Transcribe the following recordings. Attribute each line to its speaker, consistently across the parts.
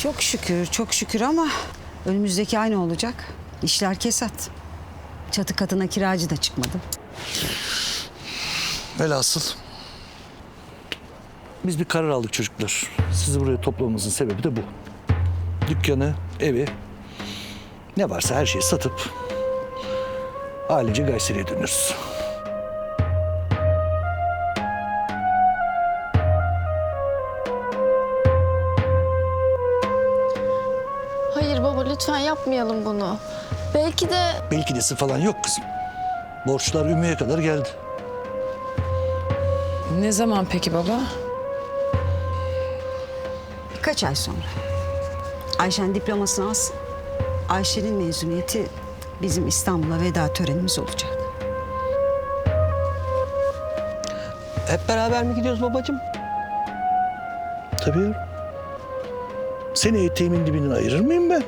Speaker 1: Çok şükür, çok şükür ama önümüzdeki ay ne olacak? İşler kesat. Çatı katına kiracı da çıkmadı.
Speaker 2: Velhasıl biz bir karar aldık çocuklar. Sizi buraya toplamamızın sebebi de bu. Dükkanı, evi, ne varsa her şeyi satıp ailece Kayseri'ye dönüyoruz.
Speaker 3: Hayır baba, lütfen yapmayalım bunu. Belki de...
Speaker 2: Belki desi falan yok kızım. Borçlar Ümmü'ye kadar geldi.
Speaker 4: Ne zaman peki baba?
Speaker 1: Birkaç ay sonra. Ayşen diplomasını alsın. Ayşe'nin mezuniyeti bizim İstanbul'a veda törenimiz olacak.
Speaker 5: Hep beraber mi gidiyoruz babacığım?
Speaker 2: Tabii yavrum. Seni eteğimin dibinden ayırır mıyım ben?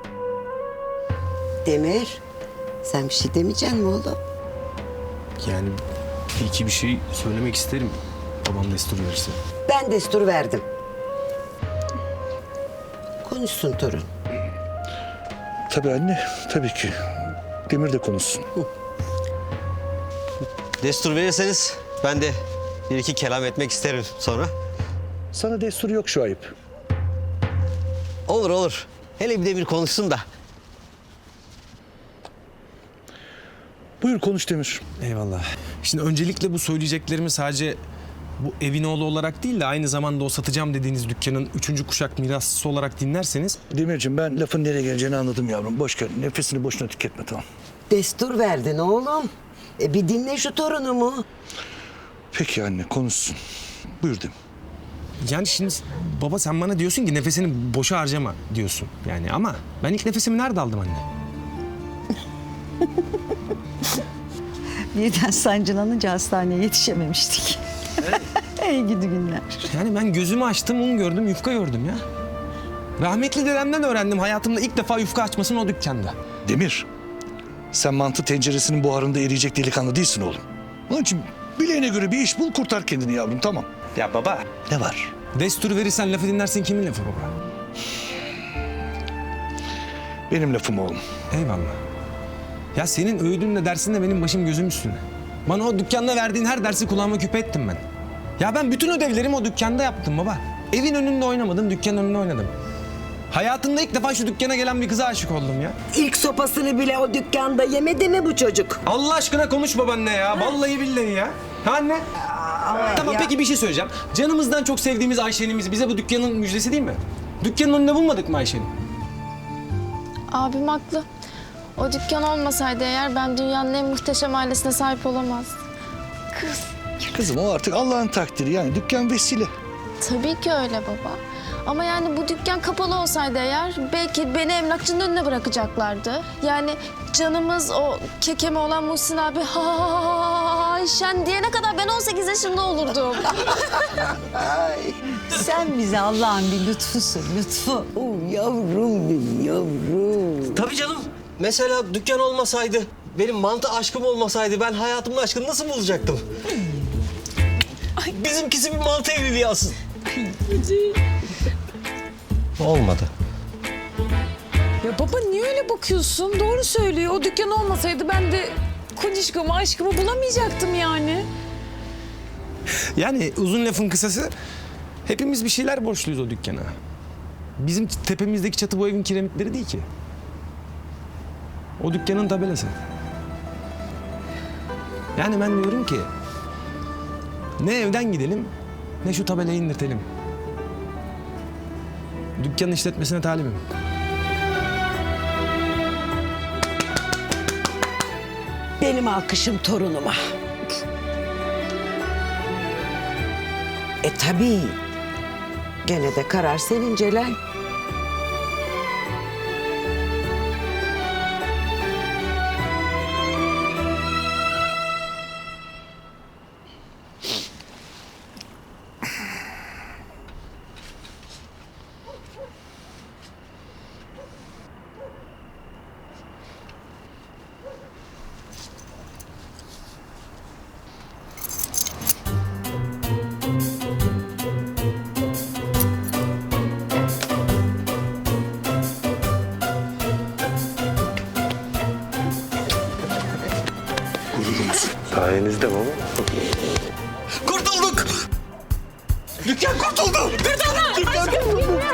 Speaker 6: Demir, sen bir şey demeyecek misin oğlum?
Speaker 7: Yani bir iki bir şey söylemek isterim. Babam destur verirse.
Speaker 6: Ben destur verdim. Konuşsun torun.
Speaker 2: Tabii anne, tabii ki. Demir de konuşsun.
Speaker 5: Destur verirseniz ben de bir iki kelam etmek isterim sonra.
Speaker 2: Sana destur yok şu ayıp.
Speaker 5: Olur olur. Hele bir de bir konuşsun da.
Speaker 2: Buyur konuş Demir.
Speaker 7: Eyvallah. Şimdi öncelikle bu söyleyeceklerimi sadece bu evin oğlu olarak değil de aynı zamanda o satacağım dediğiniz dükkanın 3. kuşak mirasçısı olarak dinlerseniz...
Speaker 2: Demirciğim ben lafın nereye geleceğini anladım yavrum. Boş ver. Nefesini boşuna tüketme tamam.
Speaker 6: Destur verdin oğlum. Bir dinle şu torunumu.
Speaker 2: Peki anne konuşsun. Buyur Demir.
Speaker 7: Yani şimdi baba sen bana diyorsun ki nefesini boşa harcama diyorsun. Yani ama ben ilk nefesimi nerede aldım anne?
Speaker 1: Birden sancılanınca hastaneye yetişememiştik. İyi gidi günler.
Speaker 7: Yani ben gözümü açtım, un gördüm, yufka gördüm ya. Rahmetli dedemden öğrendim hayatımda ilk defa yufka açmasını o dükkanda.
Speaker 2: Demir. Sen mantı tenceresinin buharında eriyecek delikanlı değilsin oğlum. Onun için bileğine göre bir iş bul kurtar kendini yavrum tamam.
Speaker 7: Ya baba.
Speaker 2: Ne var?
Speaker 7: Destur verirsen lafı dinlersin kimin lafı baba?
Speaker 2: Benim lafım oğlum.
Speaker 7: Eyvallah. Ya senin öğüdünle dersinle benim başım gözüm üstüne. Bana o dükkanda verdiğin her dersi kulağıma küpe ettim ben. Ya ben bütün ödevlerimi o dükkanda yaptım baba. Evin önünde oynamadım, dükkanın önünde oynadım. Hayatımda ilk defa şu dükkana gelen bir kıza aşık oldum ya.
Speaker 6: İlk sopasını bile o dükkanda yemedi mi bu çocuk?
Speaker 7: Allah aşkına konuş babaanne ya. Vallahi billahi ya. Ha anne? Tamam peki bir şey söyleyeceğim. Canımızdan çok sevdiğimiz Ayşe'nimiz bize bu dükkanın müjdesi değil mi? Dükkanın önünde bulmadık mı Ayşe'ni?
Speaker 3: Abim haklı. O dükkan olmasaydı eğer ben dünyanın en muhteşem ailesine sahip olamazdım.
Speaker 2: Kızım o artık Allah'ın takdiri yani dükkan vesile.
Speaker 3: Tabii ki öyle baba. Ama yani bu dükkan kapalı olsaydı eğer belki beni emlakçının önüne bırakacaklardı. Yani canımız o kekeme olan Muhsin abi Ayşen diyene kadar ben 18 yaşında olurdum.
Speaker 1: Sen bize Allah'ın bir lütfusun, lütfu.
Speaker 6: Yavrum benim yavrum.
Speaker 5: Tabii canım. Mesela dükkan olmasaydı, benim mantı aşkım olmasaydı ben hayatımın aşkını nasıl bulacaktım? Bizimkisi bir mantı evliliği aslında. Olmadı.
Speaker 4: Ya baba niye öyle bakıyorsun? Doğru söylüyor. O dükkan olmasaydı ben de kocişkamı, aşkımı bulamayacaktım yani.
Speaker 7: Yani uzun lafın kısası hepimiz bir şeyler borçluyuz o dükkana. Bizim tepemizdeki çatı bu evin kiremitleri değil ki. O dükkanın tabelası. Yani ben diyorum ki ne evden gidelim ne şu tabelayı indirtelim. Dükkanın işletmesine talibim.
Speaker 6: Benim alkışım torunuma. Tabii. Gene de karar senin Celal.
Speaker 8: Sayenizde baba.
Speaker 5: Kurtulduk! Dükkan kurtuldu! Kurtulduk! Dükkan kurtuldu!